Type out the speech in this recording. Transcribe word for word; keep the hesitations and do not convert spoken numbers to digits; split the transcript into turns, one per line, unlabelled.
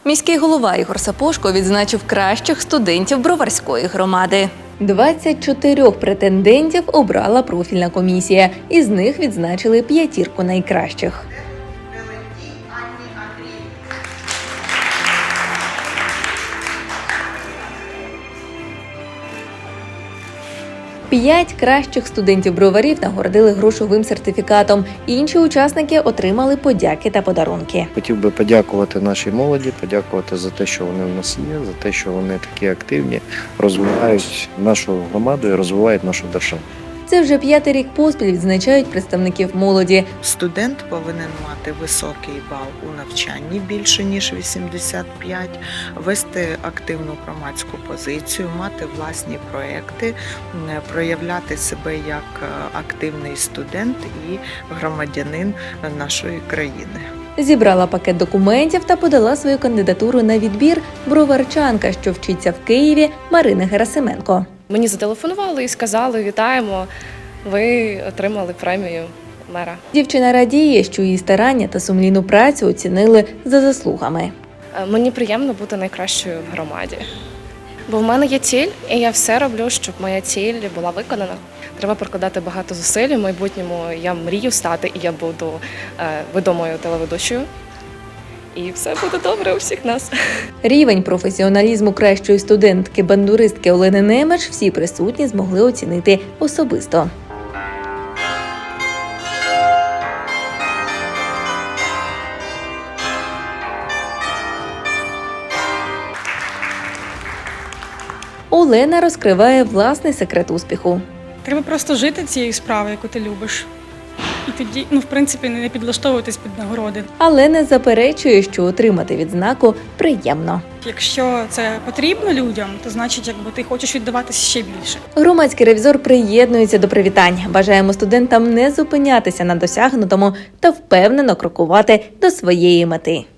Міський голова Ігор Сапожко відзначив кращих студентів Броварської громади. двадцять чотири претендентів обрала профільна комісія. Із них відзначили п'ятірку найкращих. П'ять кращих студентів Броварів нагородили грошовим сертифікатом. Інші учасники отримали подяки та подарунки.
Хотів би подякувати нашій молоді, подякувати за те, що вони в нас є, за те, що вони такі активні, розвивають нашу громаду і розвивають нашу державу.
Це вже п'ятий рік поспіль відзначають представників молоді.
Студент повинен мати високий бал у навчанні, більше ніж вісімдесят п'ять, вести активну громадську позицію, мати власні проекти, проявляти себе як активний студент і громадянин нашої країни.
Зібрала пакет документів та подала свою кандидатуру на відбір броварчанка, що вчиться в Києві, Марина Герасименко.
Мені зателефонували і сказали: вітаємо, ви отримали премію мера.
Дівчина радіє, що її старання та сумлінну працю оцінили за заслугами.
Мені приємно бути найкращою в громаді. Бо в мене є ціль, і я все роблю, щоб моя ціль була виконана. Треба прикладати багато зусиль. У майбутньому я мрію стати, і я буду е, відомою телеведучою. І все буде добре у всіх нас.
Рівень професіоналізму кращої студентки-бандуристки Олени Немеч всі присутні змогли оцінити особисто. Олена розкриває власний секрет успіху.
Треба просто жити цією справою, яку ти любиш. І тоді, ну, в принципі, не підлаштовуватись під нагороди.
Але не заперечує, що отримати відзнаку приємно.
Якщо це потрібно людям, то значить, якби ти хочеш віддаватися ще більше.
Громадський ревізор приєднується до привітань. Бажаємо студентам не зупинятися на досягнутому та впевнено крокувати до своєї мети.